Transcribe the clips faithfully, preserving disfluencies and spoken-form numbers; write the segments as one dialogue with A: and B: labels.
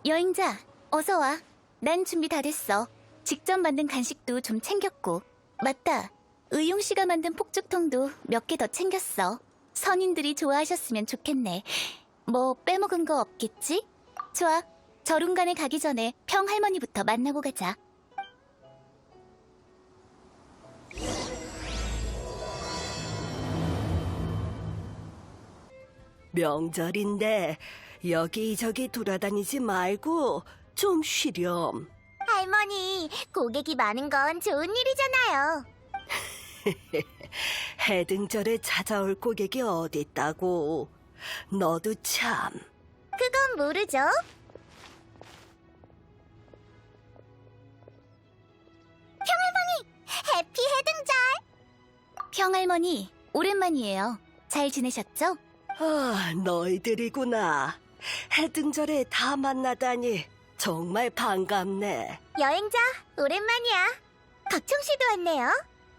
A: 여행자, 어서 와. 난 준비 다 됐어. 직접 만든 간식도 좀 챙겼고. 맞다. 의용 씨가 만든 폭죽통도 몇 개 더 챙겼어. 선인들이 좋아하셨으면 좋겠네. 뭐 빼먹은 거 없겠지? 좋아. 저lun간에 가기 전에 평할머니부터 만나고 가자.
B: 명절인데 여기저기 돌아다니지 말고 좀 쉬렴.
C: 할머니, 고객이 많은 건 좋은 일이잖아요.
B: 해등절에 찾아올 고객이 어딨다고. 너도 참.
C: 그건 모르죠. 평할머니, 해피 해등절.
A: 평할머니, 오랜만이에요. 잘 지내셨죠?
B: 아, 너희들이구나. 해등절에 다 만나다니 정말 반갑네.
C: 여행자, 오랜만이야. 각청 씨도 왔네요.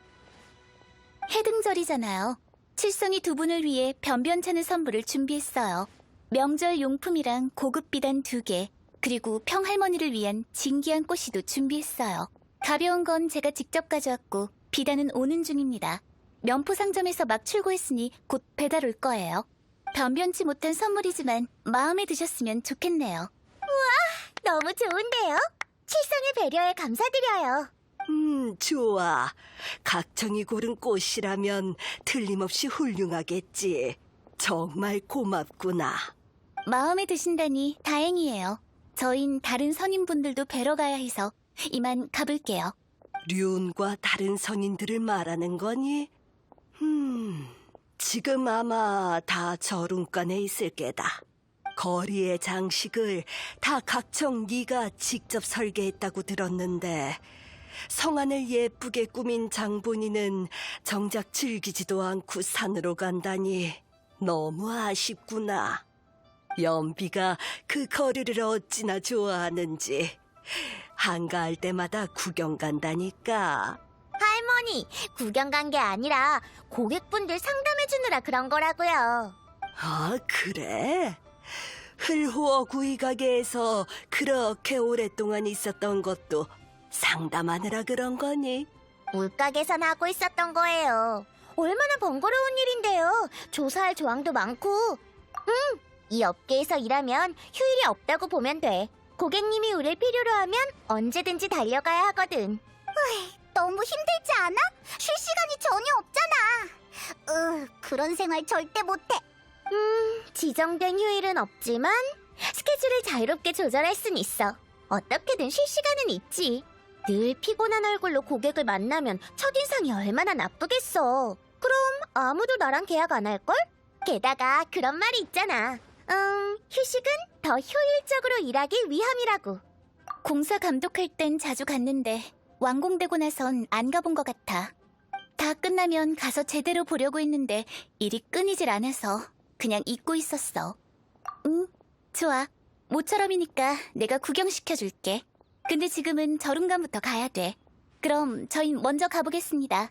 A: 해등절이잖아요. 칠성이 두 분을 위해 변변찮은 선물을 준비했어요. 명절 용품이랑 고급 비단 두 개, 그리고 평할머니를 위한 진귀한 꽃이도 준비했어요. 가벼운 건 제가 직접 가져왔고 비단은 오는 중입니다. 면포 상점에서 막 출고했으니 곧 배달 올 거예요. 변변치 못한 선물이지만 마음에 드셨으면 좋겠네요.
C: 너무 좋은데요? 칠성의 배려에 감사드려요.
B: 음, 좋아. 각청이 고른 꽃이라면 틀림없이 훌륭하겠지. 정말 고맙구나.
A: 마음에 드신다니 다행이에요. 저흰 다른 선임분들도 뵈러 가야 해서 이만 가볼게요.
B: 륜과 다른 선인들을 말하는 거니? 음, 지금 아마 다 저룬간에 있을 게다. 거리의 장식을 다 각청 네가 직접 설계했다고 들었는데 성안을 예쁘게 꾸민 장본인은 정작 즐기지도 않고 산으로 간다니 너무 아쉽구나. 연비가 그 거리를 어찌나 좋아하는지 한가할 때마다 구경 간다니까.
C: 할머니, 구경 간 게 아니라 고객분들 상담해주느라 그런 거라고요.
B: 아, 그래? 흘호어 구이 가게에서 그렇게 오랫동안 있었던 것도 상담하느라 그런 거니?
C: 물가게선 하고 있었던 거예요. 얼마나 번거로운 일인데요. 조사할 조항도 많고. 음, 이 업계에서 일하면 휴일이 없다고 보면 돼. 고객님이 우릴 필요로 하면 언제든지 달려가야 하거든. 너무 힘들지 않아? 쉴 시간이 전혀 없잖아. 으, 그런 생활 절대 못해. 음, 지정된 휴일은 없지만 스케줄을 자유롭게 조절할 순 있어. 어떻게든 쉴 시간은 있지. 늘 피곤한 얼굴로 고객을 만나면 첫인상이 얼마나 나쁘겠어. 그럼 아무도 나랑 계약 안 할걸? 게다가 그런 말이 있잖아. 음, 휴식은 더 효율적으로 일하기 위함이라고.
A: 공사 감독할 땐 자주 갔는데 완공되고 나선 안 가본 것 같아. 다 끝나면 가서 제대로 보려고 했는데 일이 끊이질 않아서 그냥 잊고 있었어. 응, 좋아. 모처럼이니까 내가 구경시켜줄게. 근데 지금은 저룬간부터 가야 돼. 그럼 저희 먼저 가보겠습니다.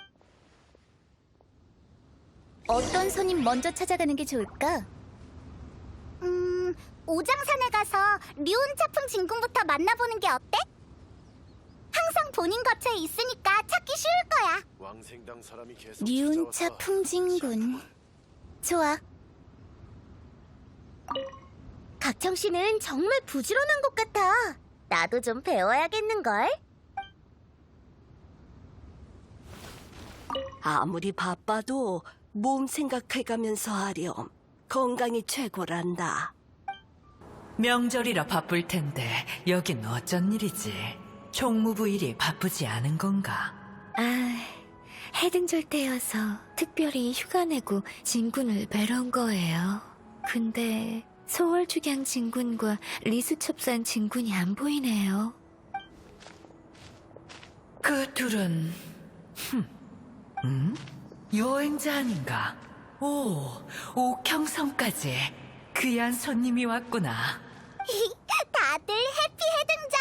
A: 어떤 손님 먼저 찾아가는 게 좋을까?
C: 음, 오장산에 가서 류은 차풍 진군부터 만나보는 게 어때? 항상 본인 거처에 있으니까 찾기 쉬울 거야.
D: 왕생당 사람이 계속
A: 류은차
D: 찾아와서
A: 풍진군. 좋아.
C: 각청 씨는 정말 부지런한 것 같아. 나도 좀 배워야겠는걸?
B: 아무리 바빠도 몸 생각해가면서 하렴. 건강이 최고란다.
E: 명절이라 바쁠 텐데 여긴 어쩐 일이지? 총무부 일이 바쁘지 않은 건가?
F: 아, 해등절 때여서 특별히 휴가 내고 진군을 뵈러 온 거예요. 근데 소월축양 진군과 리수첩산 진군이 안 보이네요.
E: 그 둘은 흠, 음? 여행자 아닌가? 오, 옥형성까지 귀한 손님이 왔구나.
C: 다들 해피 해등절!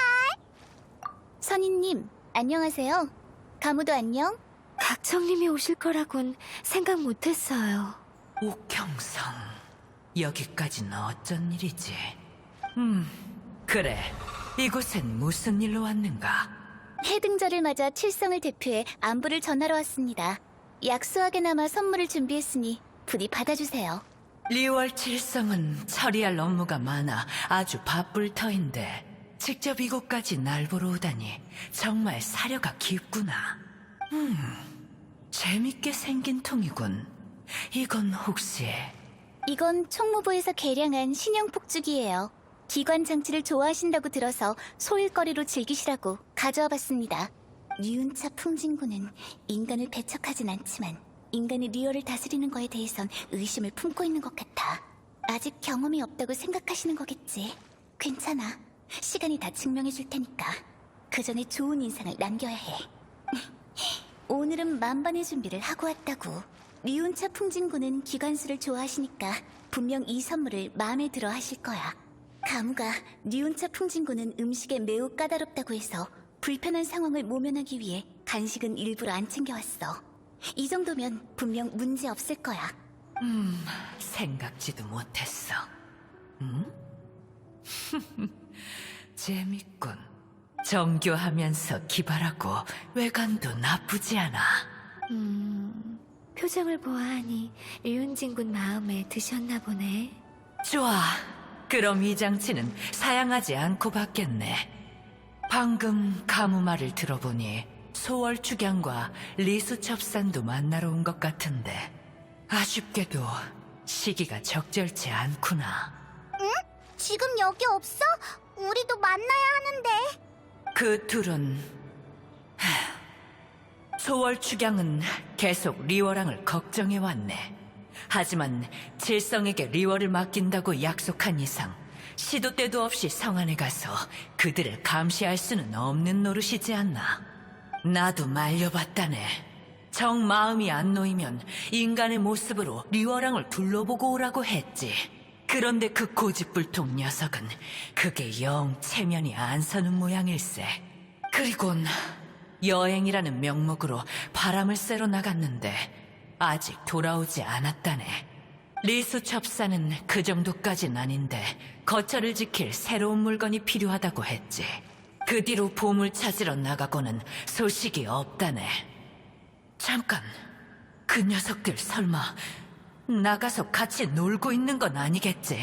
A: 선인님, 안녕하세요. 가무도 안녕?
F: 각청님이 오실 거라곤 생각 못했어요.
E: 옥형성, 여기까지는 어쩐 일이지? 음, 그래, 이곳엔 무슨 일로 왔는가?
A: 해등절을 맞아 칠성을 대표해 안부를 전하러 왔습니다. 약소하게나마 선물을 준비했으니 부디 받아주세요.
E: 리월 칠성은 처리할 업무가 많아 아주 바쁠 터인데 직접 이곳까지 날 보러 오다니 정말 사려가 깊구나. 음, 재밌게 생긴 통이군. 이건 혹시...
A: 이건 총무부에서 개량한 신형 폭죽이에요. 기관 장치를 좋아하신다고 들어서 소일거리로 즐기시라고 가져와 봤습니다. 류운차 풍진군은 인간을 배척하진 않지만 인간이 리얼을 다스리는 거에 대해선 의심을 품고 있는 것 같아. 아직 경험이 없다고 생각하시는 거겠지. 괜찮아. 시간이 다 증명해 줄 테니까. 그 전에 좋은 인상을 남겨야 해. 오늘은 만반의 준비를 하고 왔다고. 류운차 풍진군은 기관수를 좋아하시니까 분명 이 선물을 마음에 들어 하실 거야. 가무가 류운차 풍진군은 음식에 매우 까다롭다고 해서 불편한 상황을 모면하기 위해 간식은 일부러 안 챙겨왔어. 이 정도면 분명 문제 없을 거야.
E: 음, 생각지도 못했어. 음? 재밌군. 정교하면서 기발하고 외관도 나쁘지 않아.
F: 음, 표정을 보아하니 류은진군 마음에 드셨나 보네.
E: 좋아. 그럼 이 장치는 사양하지 않고 받겠네. 방금 가무 말을 들어보니 소월 축양과 리수 첩산도 만나러 온 것 같은데 아쉽게도 시기가 적절치 않구나.
C: 지금 여기 없어? 우리도 만나야 하는데.
E: 그 둘은 하, 소월 축양은 계속 리워랑을 걱정해왔네. 하지만 칠성에게 리워를 맡긴다고 약속한 이상 시도 때도 없이 성안에 가서 그들을 감시할 수는 없는 노릇이지 않나. 나도 말려봤다네. 정 마음이 안 놓이면 인간의 모습으로 리워랑을 둘러보고 오라고 했지. 그런데 그 고집불통 녀석은 그게 영 체면이 안 서는 모양일세. 그리곤 여행이라는 명목으로 바람을 쐬러 나갔는데 아직 돌아오지 않았다네. 리수 첩사는 그 정도까진 아닌데 거처를 지킬 새로운 물건이 필요하다고 했지. 그 뒤로 보물 찾으러 나가고는 소식이 없다네. 잠깐, 그 녀석들 설마 나가서 같이 놀고 있는 건 아니겠지?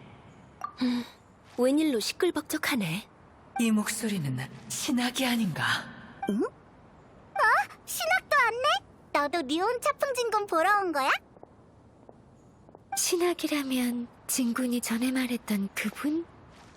B: 웬일로 시끌벅적하네.
E: 이 목소리는 신학이 아닌가?
C: 신학도 왔네? 너도 류운차 풍진군 보러 온 거야?
F: 신학이라면 진군이 전에 말했던 그분?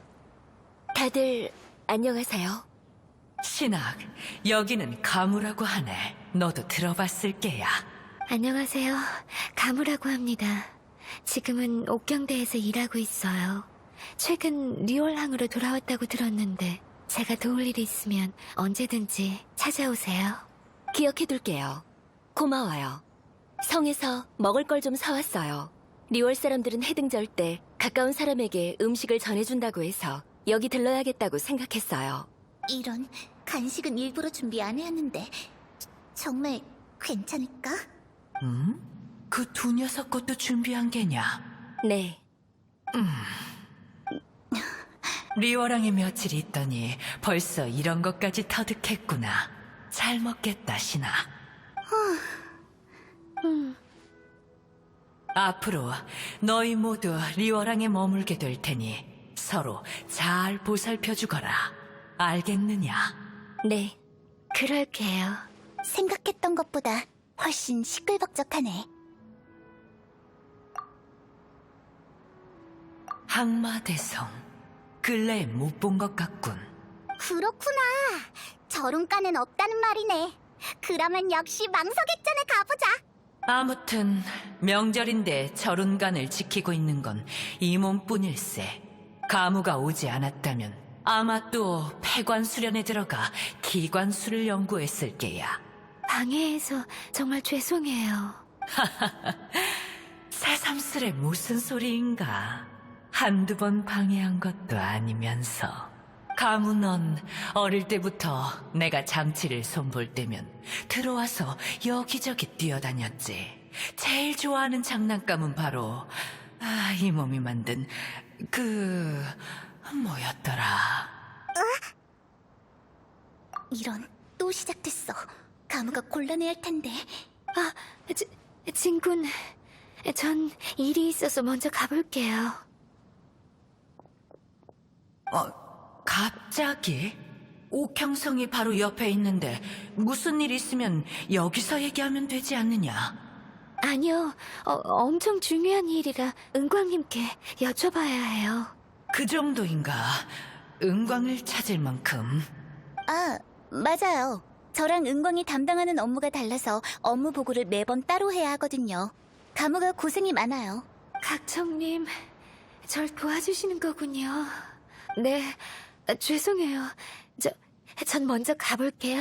B: 다들 안녕하세요.
E: 신학, 여기는 가무라고 하네. 너도 들어봤을 게야.
F: 안녕하세요. 가무라고 합니다. 지금은 옥경대에서 일하고 있어요. 최근 리월항으로 돌아왔다고 들었는데 제가 도울 일이 있으면 언제든지 찾아오세요.
B: 기억해둘게요. 고마워요. 성에서 먹을 걸 좀 사왔어요. 리월 사람들은 해등절 때 가까운 사람에게 음식을 전해준다고 해서 여기 들러야겠다고 생각했어요.
A: 이런, 간식은 일부러 준비 안 해왔는데 정말 괜찮을까?
E: 음? 그 두 녀석 것도 준비한 게냐?
B: 네,
E: 리워랑에 며칠 있더니 벌써 이런 것까지 터득했구나. 잘 먹겠다, 신아. 앞으로 너희 모두 리워랑에 머물게 될 테니 서로 잘 보살펴주거라. 알겠느냐?
B: 네.
F: 그럴게요.
A: 생각했던 것보다 훨씬 시끌벅적하네.
E: 항마대성. 근래에 못 본 것 같군.
C: 그렇구나. 저룬가는 없다는 말이네. 그러면 역시 망석액전에 가보자.
E: 아무튼 명절인데 절운간을 지키고 있는 건 이 몸뿐일세. 가무가 오지 않았다면 아마 또 폐관 수련에 들어가 기관수를 연구했을 게야.
F: 방해해서 정말 죄송해요.
E: 새삼스레 무슨 소리인가. 한두 번 방해한 것도 아니면서. 가무 넌 어릴 때부터 내가 장치를 손볼 때면 들어와서 여기저기 뛰어다녔지. 제일 좋아하는 장난감은 바로 아, 이 몸이 만든 그... 뭐였더라?
A: 이런, 또 시작됐어. 가무가 곤란해할 텐데.
F: 아, 지, 진군. 전 일이 있어서 먼저 가볼게요.
E: 어, 갑자기? 옥형성이 바로 옆에 있는데 무슨 일 있으면 여기서 얘기하면 되지 않느냐?
F: 아니요, 어, 엄청 중요한 일이라 은광님께 여쭤봐야 해요.
E: 그 정도인가? 은광을 찾을 만큼.
A: 아, 맞아요. 저랑 은광이 담당하는 업무가 달라서 업무 보고를 매번 따로 해야 하거든요. 가무가 고생이 많아요.
F: 각청님, 절 도와주시는 거군요. 네, 아, 죄송해요. 저, 전 먼저 가볼게요.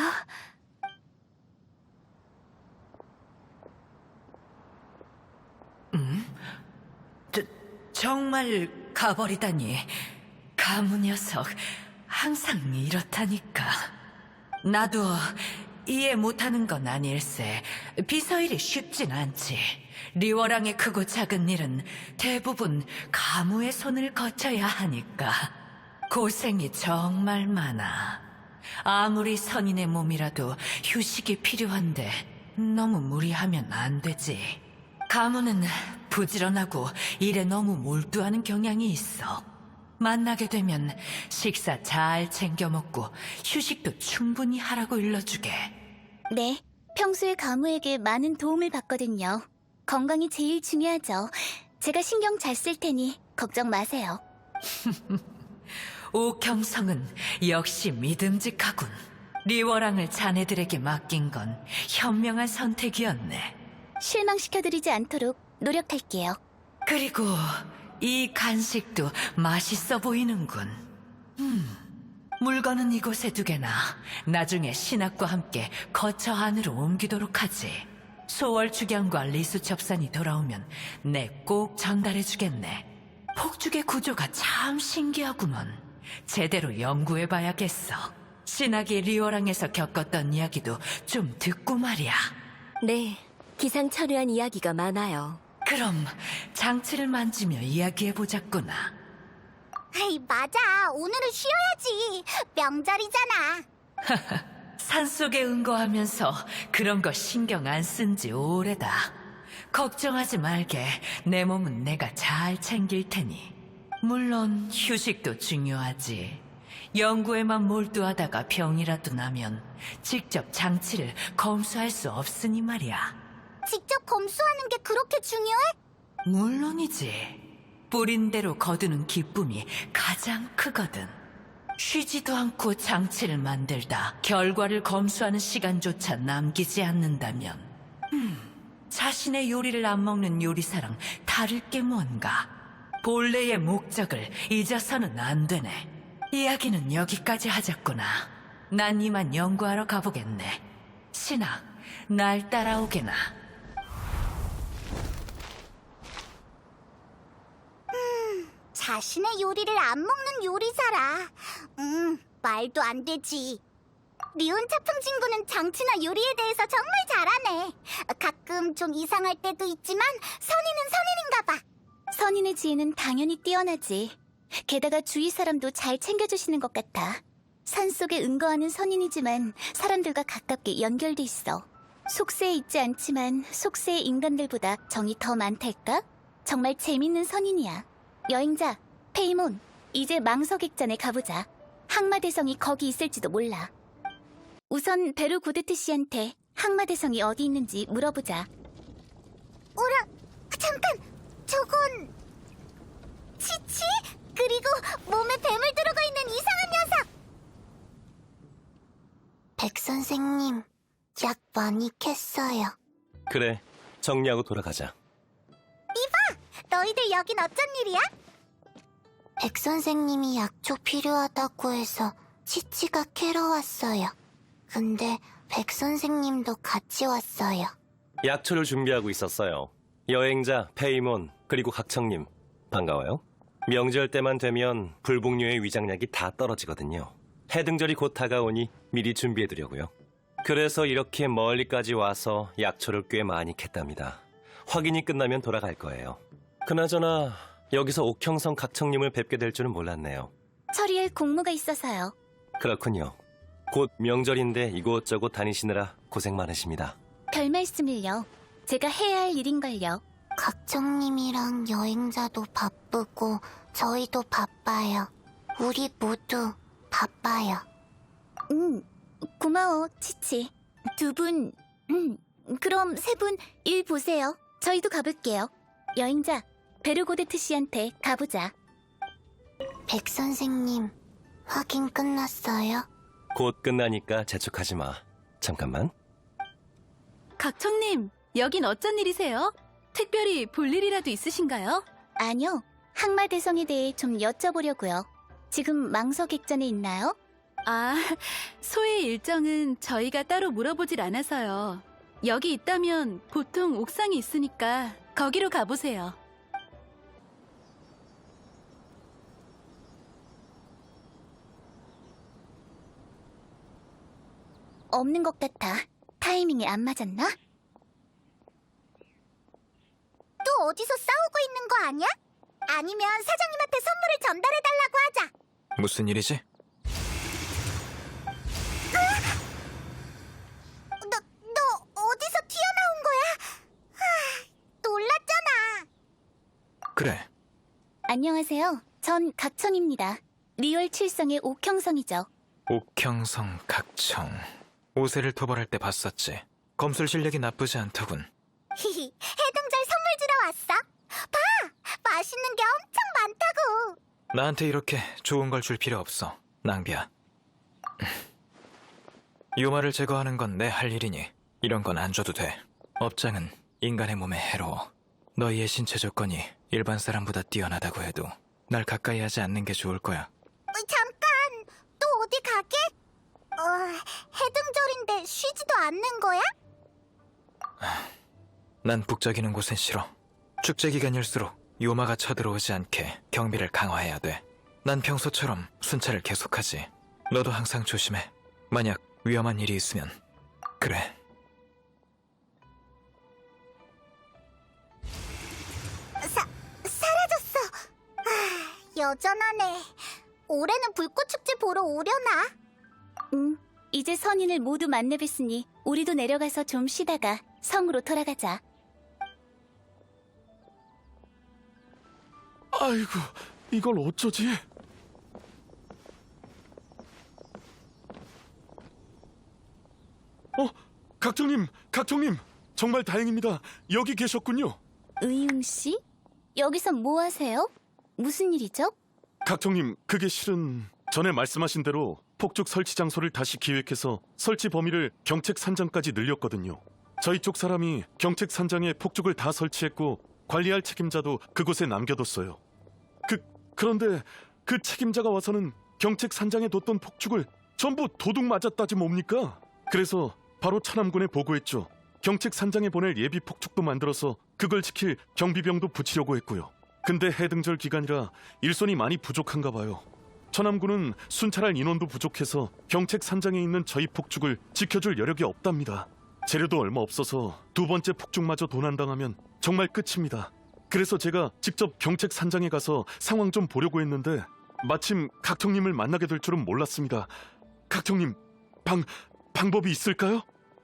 E: 저, 정말 가버리다니. 가무 녀석, 항상 이렇다니까. 나도 이해 못하는 건 아닐세. 비서일이 쉽진 않지. 리워랑의 크고 작은 일은 대부분 가무의 손을 거쳐야 하니까. 고생이 정말 많아. 아무리 선인의 몸이라도 휴식이 필요한데 너무 무리하면 안 되지. 가무는 부지런하고 일에 너무 몰두하는 경향이 있어. 만나게 되면 식사 잘 챙겨 먹고 휴식도 충분히 하라고 일러주게.
A: 네, 평소에 가무에게 많은 도움을 받거든요. 건강이 제일 중요하죠. 제가 신경 잘 쓸 테니 걱정 마세요.
E: 옥형성은 역시 믿음직하군. 리워랑을 자네들에게 맡긴 건 현명한 선택이었네.
A: 실망시켜드리지 않도록 노력할게요.
E: 그리고 이 간식도 맛있어 보이는군. 음, 물건은 이곳에 두게나 나중에 신학과 함께 거처 안으로 옮기도록 하지. 소월축양과 리수첩산이 돌아오면 내 꼭 전달해주겠네. 폭죽의 구조가 참 신기하구먼. 제대로 연구해봐야겠어. 신학이 리오랑에서 겪었던 이야기도 좀 듣고 말이야.
B: 네, 기상천외한 이야기가 많아요.
E: 그럼 장치를 만지며 이야기해보자꾸나.
C: 에이, 맞아. 오늘은 쉬어야지. 명절이잖아.
E: 산속에 은거하면서 그런 거 신경 안 쓴 지 오래다. 걱정하지 말게. 내 몸은 내가 잘 챙길 테니. 물론 휴식도 중요하지. 연구에만 몰두하다가 병이라도 나면 직접 장치를 검수할 수 없으니 말이야.
C: 직접 검수하는 게 그렇게 중요해?
E: 물론이지. 뿌린 대로 거두는 기쁨이 가장 크거든. 쉬지도 않고 장치를 만들다 결과를 검수하는 시간조차 남기지 않는다면 음, 자신의 요리를 안 먹는 요리사랑 다를 게 뭔가. 본래의 목적을 잊어서는 안 되네. 이야기는 여기까지 하자꾸나. 난 이만 연구하러 가보겠네. 신학, 날 따라오게나.
C: 자신의 요리를 안 먹는 요리사라. 음, 말도 안 되지. 리온 차풍 친구는 장치나 요리에 대해서 정말 잘하네. 가끔 좀 이상할 때도 있지만 선인은 선인인가 봐.
A: 선인의 지혜는 당연히 뛰어나지. 게다가 주위 사람도 잘 챙겨주시는 것 같아. 산속에 은거하는 선인이지만 사람들과 가깝게 연결돼 있어. 속세에 있지 않지만 속세의 인간들보다 정이 더 많달까? 정말 재밌는 선인이야. 여행자, 페이몬, 이제 망석액전에 가보자. 항마대성이 거기 있을지도 몰라. 우선 베르 고데트 씨한테 항마대성이 어디 있는지 물어보자.
C: 어라, 잠깐! 저건... 치치? 그리고 몸에 뱀을 두르고 있는 이상한 녀석! 백 선생님, 약 많이 캤어요.
D: 그래, 정리하고 돌아가자.
C: 너희들 여긴 어쩐 일이야? 백 선생님이 약초 필요하다고 해서 치치가 캐러 왔어요. 근데 백 선생님도 같이 왔어요.
D: 약초를 준비하고 있었어요. 여행자, 페이몬, 그리고 각청님, 반가워요. 명절 때만 되면 불복류의 위장약이 다 떨어지거든요. 해등절이 곧 다가오니 미리 준비해두려고요. 그래서 이렇게 멀리까지 와서 약초를 꽤 많이 캤답니다. 확인이 끝나면 돌아갈 거예요. 그나저나 여기서 옥형성 각청님을 뵙게 될 줄은 몰랐네요.
A: 처리할 공무가 있어서요.
D: 그렇군요. 곧 명절인데 이곳저곳 다니시느라 고생 많으십니다.
A: 별 말씀을요. 제가 해야 할 일인걸요.
C: 각정님이랑 여행자도 바쁘고 저희도 바빠요. 우리 모두 바빠요.
A: 음, 고마워, 치치. 두 분, 음, 그럼 세 분 일 보세요. 저희도 가볼게요. 여행자, 베르고데트 씨한테 가보자.
C: 백 선생님, 확인 끝났어요?
D: 곧 끝나니까 재촉하지 마. 잠깐만.
G: 각청님, 여긴 어쩐 일이세요? 특별히 볼 일이라도 있으신가요?
A: 아니요, 항마대성에 대해 좀 여쭤보려고요. 지금 망서객전에 있나요?
G: 아, 소의 일정은 저희가 따로 물어보질 않아서요. 여기 있다면 보통 옥상에 있으니까 거기로 가보세요.
A: 없는 것 같아. 타이밍이 안 맞았나?
C: 또 어디서 싸우고 있는 거 아니야? 아니면 사장님한테 선물을 전달해달라고 하자.
H: 무슨 일이지?
C: 너, 너 어디서 튀어나온 거야? 하, 놀랐잖아.
H: 그래,
A: 안녕하세요. 전 각청입니다. 리월 칠성의 옥형성이죠.
H: 옥형성 각청. 오세를 토벌할 때 봤었지. 검술 실력이 나쁘지 않더군.
C: 히히, 해등절 선물 주러 왔어. 봐, 맛있는 게 엄청 많다고.
H: 나한테 이렇게 좋은 걸 줄 필요 없어. 낭비야. 요마를 제거하는 건 내 할 일이니 이런 건 안 줘도 돼. 업장은 인간의 몸에 해로워. 너희의 신체 조건이 일반 사람보다 뛰어나다고 해도 날 가까이 하지 않는 게 좋을 거야.
C: 어, 잠깐, 또 어디 가게? 어, 해등절인데 쉬지도 않는 거야?
H: 난 북적이는 곳은 싫어. 축제 기간일수록 요마가 쳐들어오지 않게 경비를 강화해야 돼. 난 평소처럼 순찰을 계속하지. 너도 항상 조심해. 만약 위험한 일이 있으면. 그래.
C: 사, 사라졌어. 아, 여전하네. 올해는 불꽃축제 보러 오려나?
A: 음, 이제 선인을 모두 만나뵀으니 우리도 내려가서 좀 쉬다가 성으로 돌아가자.
I: 아이고, 이걸 어쩌지? 어, 각청님, 각청님, 정말 다행입니다. 여기 계셨군요.
A: 의웅 씨? 여기서 뭐 하세요? 무슨 일이죠?
I: 각청님, 그게 실은 전에 말씀하신 대로 폭죽 설치 장소를 다시 기획해서 설치 범위를 경책 산장까지 늘렸거든요. 저희 쪽 사람이 경책 산장에 폭죽을 다 설치했고 관리할 책임자도 그곳에 남겨뒀어요. 그, 그런데 그 책임자가 와서는 경책 산장에 뒀던 폭죽을 전부 도둑 맞았다지 뭡니까? 그래서 바로 차남군에 보고했죠. 경책 산장에 보낼 예비 폭죽도 만들어서 그걸 지킬 경비병도 붙이려고 했고요. 근데 해등절 기간이라 일손이 많이 부족한가 봐요. 천암군은 순찰할 인원도 부족해서 경책 산장에 있는 저희 폭죽을 지켜줄 여력이 없답니다. 재료도 얼마 없어서 두 번째 폭죽마저 도난당하면 정말 끝입니다. 그래서 제가 직접 경책 산장에 가서 상황 좀 보려고 했는데 마침 각청님을 만나게 될 줄은 몰랐습니다. 각청님, 방, 방법이 있을까요?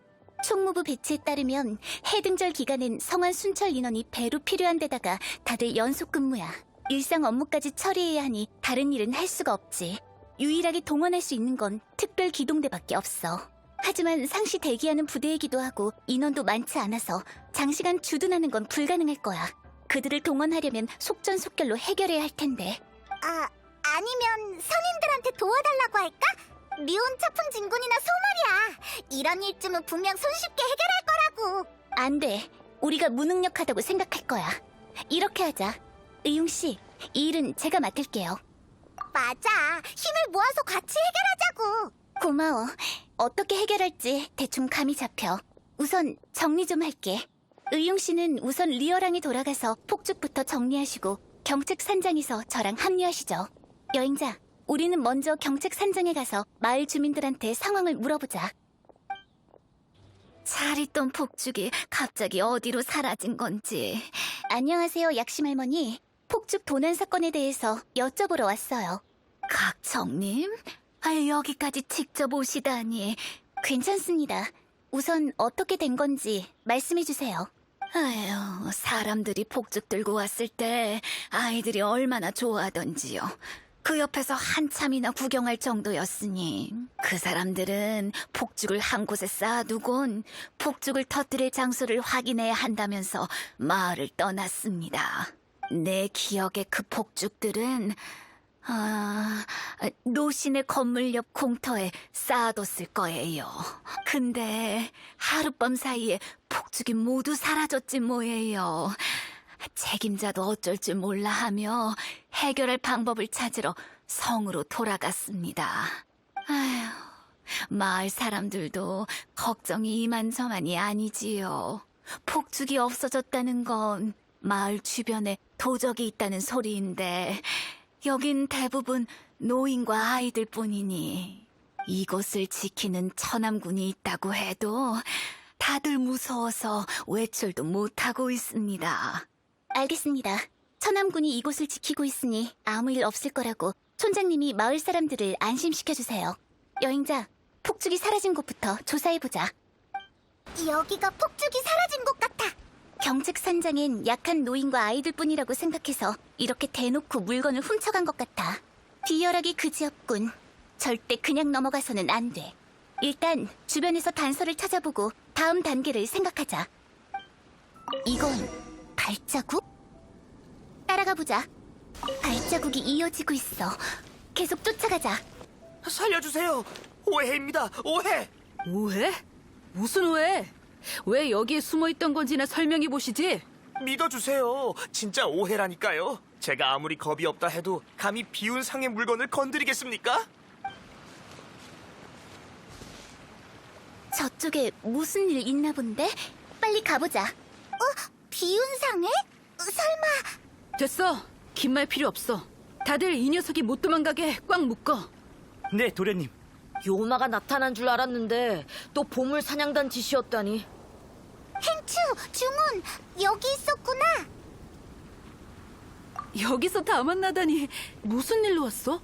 A: 총무부 배치에 따르면 해등절 기간엔 성안 순찰 인원이 배로 필요한 데다가 다들 연속 근무야. 일상 업무까지 처리해야 하니 다른 일은 할 수가 없지. 유일하게 동원할 수 있는 건 특별 기동대밖에 없어. 하지만 상시 대기하는 부대이기도 하고 인원도 많지 않아서 장시간 주둔하는 건 불가능할 거야. 그들을 동원하려면 속전속결로 해결해야 할 텐데.
C: 아, 아니면 선임들한테 도와달라고 할까? 리온 차풍 진군이나 소말이야. 이런 일쯤은 분명 손쉽게 해결할 거라고.
A: 안 돼. 우리가 무능력하다고 생각할 거야. 이렇게 하자. 의용 씨, 이 일은 제가 맡을게요.
C: 맞아. 힘을 모아서 같이 해결하자고.
A: 고마워. 어떻게 해결할지 대충 감이 잡혀. 우선 정리 좀 할게. 의용 씨는 우선 리어랑에 돌아가서 폭죽부터 정리하시고 경책 산장에서 저랑 합류하시죠. 여행자, 우리는 먼저 경책 산장에 가서 마을 주민들한테 상황을 물어보자. 잘 있던 폭죽이 갑자기 어디로 사라진 건지. 안녕하세요, 약심 할머니. 폭죽 도난 사건에 대해서 여쭤보러 왔어요. 각청님? 아, 여기까지 직접 오시다니. 괜찮습니다. 우선 어떻게 된 건지 말씀해 주세요. 아휴, 사람들이 폭죽 들고 왔을 때 아이들이 얼마나 좋아하던지요. 그 옆에서 한참이나 구경할 정도였으니 그 사람들은 폭죽을 한 곳에 쌓아두곤 폭죽을 터뜨릴 장소를 확인해야 한다면서 마을을 떠났습니다. 내 기억에 그 폭죽들은 아, 노신의 건물 옆 공터에 쌓아뒀을 거예요. 근데 하룻밤 사이에 폭죽이 모두 사라졌지 뭐예요. 책임자도 어쩔 줄 몰라 하며 해결할 방법을 찾으러 성으로 돌아갔습니다. 아휴, 마을 사람들도 걱정이 이만저만이 아니지요. 폭죽이 없어졌다는 건 마을 주변에 도적이 있다는 소리인데 여긴 대부분 노인과 아이들 뿐이니 이곳을 지키는 천암군이 있다고 해도 다들 무서워서 외출도 못하고 있습니다. 알겠습니다. 천암군이 이곳을 지키고 있으니 아무 일 없을 거라고 촌장님이 마을 사람들을 안심시켜주세요. 여행자, 폭죽이 사라진 곳부터 조사해보자.
C: 여기가 폭죽이 사라진 곳 같아.
A: 경책산장엔 약한 노인과 아이들뿐이라고 생각해서 이렇게 대놓고 물건을 훔쳐간 것 같아. 비열하기 그지없군. 절대 그냥 넘어가서는 안 돼. 일단 주변에서 단서를 찾아보고 다음 단계를 생각하자. 이건 발자국? 따라가 보자. 발자국이 이어지고 있어. 계속 쫓아가자.
J: 살려주세요. 오해입니다. 오해.
G: 오해? 무슨 오해? 왜 여기에 숨어있던 건지나 설명해 보시지.
J: 믿어주세요. 진짜 오해라니까요. 제가 아무리 겁이 없다 해도 감히 비운 상의 물건을 건드리겠습니까?
A: 저쪽에 무슨 일 있나 본데? 빨리 가보자.
C: 어? 비운상해? 설마...
G: 됐어. 긴 말 필요 없어. 다들 이 녀석이 못 도망가게 꽉 묶어.
J: 네, 도련님.
B: 요마가 나타난 줄 알았는데 또 보물 사냥단 짓이었다니.
C: 행추, 중훈, 여기 있었구나.
G: 여기서 다 만나다니 무슨 일로 왔어?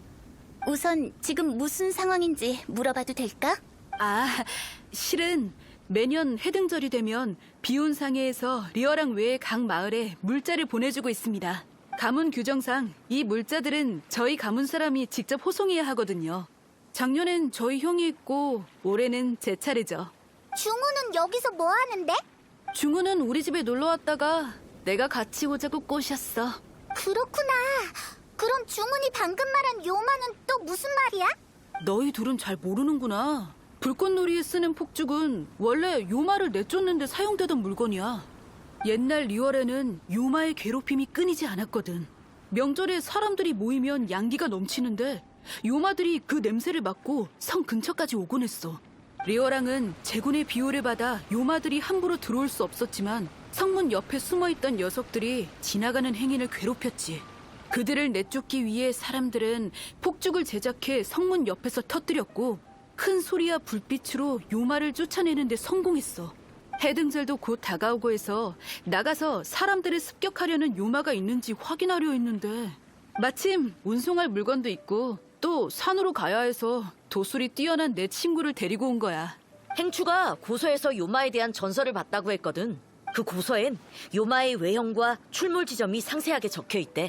A: 우선 지금 무슨 상황인지 물어봐도 될까?
G: 아, 실은 매년 해등절이 되면 비운상해에서 리어랑 외의 각 마을에 물자를 보내주고 있습니다. 가문 규정상 이 물자들은 저희 가문 사람이 직접 호송해야 하거든요. 작년엔 저희 형이 있고 올해는 제 차례죠.
C: 중훈은 여기서 뭐 하는데?
G: 중우는 우리 집에 놀러 왔다가 내가 같이 오자고 꼬셨어.
C: 그렇구나. 그럼 중훈이 방금 말한 요마는 또 무슨 말이야?
G: 너희 둘은 잘 모르는구나. 불꽃놀이에 쓰는 폭죽은 원래 요마를 내쫓는데 사용되던 물건이야. 옛날 리월에는 요마의 괴롭힘이 끊이지 않았거든. 명절에 사람들이 모이면 양기가 넘치는데 요마들이 그 냄새를 맡고 성 근처까지 오곤 했어. 리어랑은 제군의 비호를 받아 요마들이 함부로 들어올 수 없었지만 성문 옆에 숨어있던 녀석들이 지나가는 행인을 괴롭혔지. 그들을 내쫓기 위해 사람들은 폭죽을 제작해 성문 옆에서 터뜨렸고 큰 소리와 불빛으로 요마를 쫓아내는 데 성공했어. 해등절도 곧 다가오고 해서 나가서 사람들을 습격하려는 요마가 있는지 확인하려 했는데 마침 운송할 물건도 있고 또 산으로 가야 해서 도술이 뛰어난 내 친구를 데리고 온 거야.
B: 행추가 고서에서 요마에 대한 전설을 봤다고 했거든. 그 고서엔 요마의 외형과 출몰 지점이 상세하게 적혀 있대.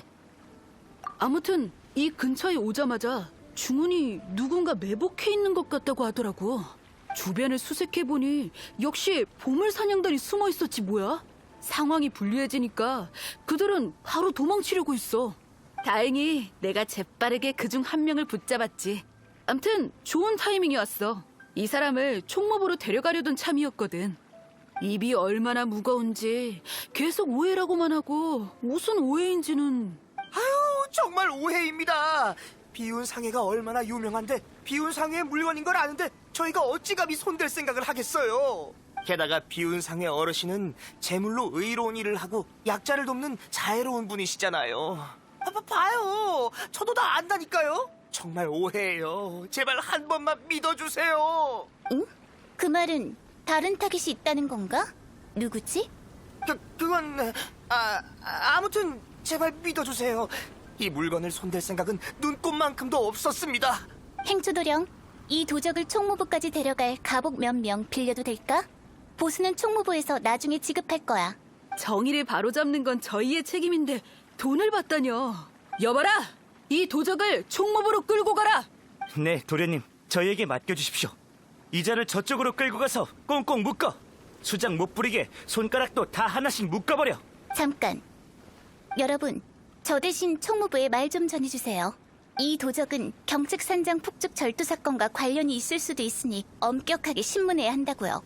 G: 아무튼 이 근처에 오자마자 중훈이 누군가 매복해 있는 것 같다고 하더라고. 주변을 수색해보니 역시 보물 사냥단이 숨어 있었지 뭐야. 상황이 불리해지니까 그들은 바로 도망치려고 했어. 다행히 내가 재빠르게 그중 한 명을 붙잡았지. 암튼 좋은 타이밍이 왔어. 이 사람을 총무부로 데려가려던 참이었거든. 입이 얼마나 무거운지 계속 오해라고만 하고 무슨 오해인지는...
J: 아유, 정말 오해입니다. 비운 상해가 얼마나 유명한데 비운 상해의 물건인 걸 아는데 저희가 어찌 감히 손댈 생각을 하겠어요. 게다가 비운 상해 어르신은 제물로 의로운 일을 하고 약자를 돕는 자애로운 분이시잖아요. 봐, 봐요. 저도 다 안다니까요. 정말 오해예요. 제발 한 번만 믿어주세요.
A: 응? 그 말은 다른 타깃이 있다는 건가? 누구지?
J: 그, 그건... 아, 아무튼 제발 믿어주세요. 이 물건을 손댈 생각은 눈꼽만큼도 없었습니다.
A: 행주도령, 이 도적을 총무부까지 데려갈 가복 몇 명 빌려도 될까? 보수는 총무부에서 나중에 지급할 거야.
G: 정의를 바로잡는 건 저희의 책임인데 돈을 받다뇨. 여봐라! 이 도적을 총무부로 끌고 가라!
J: 네, 도련님. 저희에게 맡겨주십시오. 이자를 저쪽으로 끌고 가서 꽁꽁 묶어. 수작 못 부리게 손가락도 다 하나씩 묶어버려.
A: 잠깐. 여러분, 저 대신 총무부에 말 좀 전해주세요. 이 도적은 경책산장 폭죽 절도 사건과 관련이 있을 수도 있으니 엄격하게 신문해야 한다고요.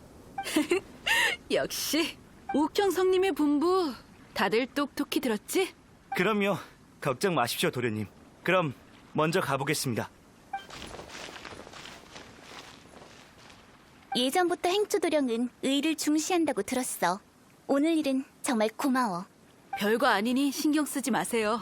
G: 역시 옥형성님의 분부 다들 똑똑히 들었지?
J: 그럼요. 걱정 마십시오, 도련님. 그럼 먼저 가보겠습니다.
A: 예전부터 행주도령은 의를 중시한다고 들었어. 오늘 일은 정말 고마워.
G: 별거 아니니 신경 쓰지 마세요.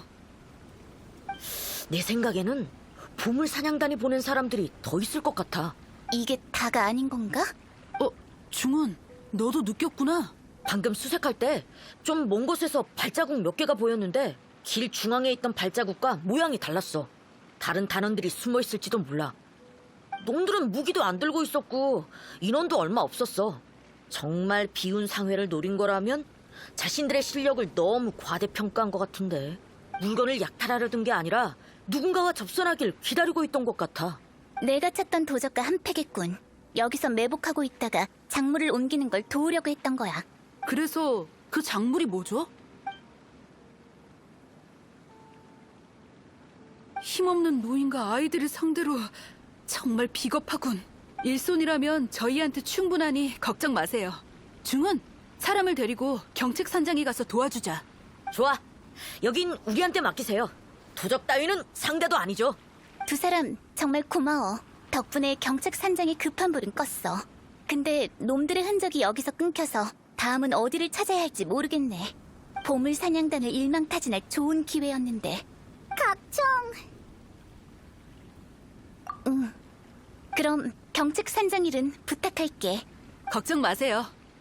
K: 내 생각에는 보물 사냥단이 보낸 사람들이 더 있을 것 같아.
A: 이게 다가 아닌 건가?
G: 어, 중훈, 너도 느꼈구나.
K: 방금 수색할 때 좀 먼 곳에서 발자국 몇 개가 보였는데 길 중앙에 있던 발자국과 모양이 달랐어. 다른 단원들이 숨어 있을지도 몰라. 놈들은 무기도 안 들고 있었고 인원도 얼마 없었어. 정말 비운 상회를 노린 거라면 자신들의 실력을 너무 과대평가한 것 같은데 물건을 약탈하려 든 게 아니라 누군가와 접선하길 기다리고 있던 것 같아.
A: 내가 찾던 도적과 한패겠군. 여기서 매복하고 있다가 작물을 옮기는 걸 도우려고 했던 거야.
G: 그래서 그 작물이 뭐죠? 힘없는 노인과 아이들을 상대로 정말 비겁하군. 일손이라면 저희한테 충분하니 걱정 마세요. 중은 사람을 데리고 경책산장에 가서 도와주자.
K: 좋아. 여긴 우리한테 맡기세요. 도적 따위는 상대도 아니죠.
A: 두 사람 정말 고마워. 덕분에 경책산장의 급한 불은 껐어. 근데 놈들의 흔적이 여기서 끊겨서 다음은 어디를 찾아야 할지 모르겠네. 보물 사냥단을 일망타진할 좋은 기회였는데.
C: 각청!
A: 응. 그럼 경책산장 일은 부탁할게.
G: 걱정 마세요.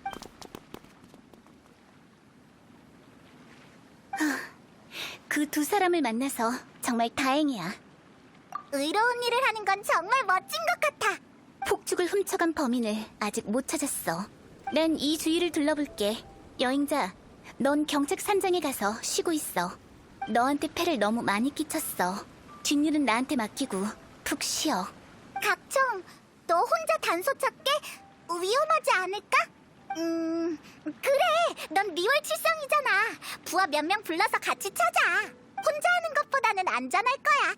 A: 그 두 사람을 만나서 정말 다행이야.
C: 의로운 일을 하는 건 정말 멋진 것 같아.
A: 폭죽을 훔쳐간 범인을 아직 못 찾았어. 난 이 주위를 둘러볼게. 여행자, 넌 경책산장에 가서 쉬고 있어. 너한테 패를 너무 많이 끼쳤어. 뒷일은 나한테 맡기고 푹 쉬어.
C: 각청, 너 혼자 단소 찾게? 위험하지 않을까? 음, 그래. 넌 리월 칠성이잖아. 부하 몇 명 불러서 같이 찾아. 혼자 하는 것보다는 안전할 거야.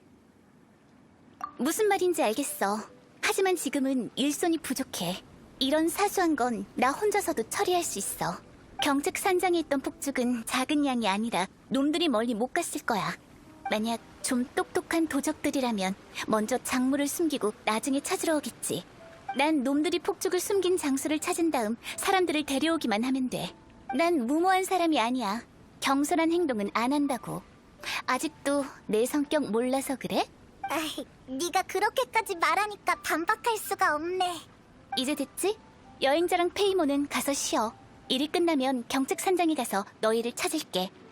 A: 무슨 말인지 알겠어. 하지만 지금은 일손이 부족해. 이런 사소한 건 나 혼자서도 처리할 수 있어. 경책산장에 있던 폭죽은 작은 양이 아니라 놈들이 멀리 못 갔을 거야. 만약 좀 똑똑한 도적들이라면 먼저 작물을 숨기고 나중에 찾으러 오겠지. 난 놈들이 폭죽을 숨긴 장소를 찾은 다음 사람들을 데려오기만 하면 돼. 난 무모한 사람이 아니야. 경솔한 행동은 안 한다고. 아직도 내 성격 몰라서 그래?
C: 아이, 네가 그렇게까지 말하니까 반박할 수가 없네.
A: 이제 됐지? 여행자랑 페이모는 가서 쉬어. 일이 끝나면 경책산장에 가서 너희를 찾을게.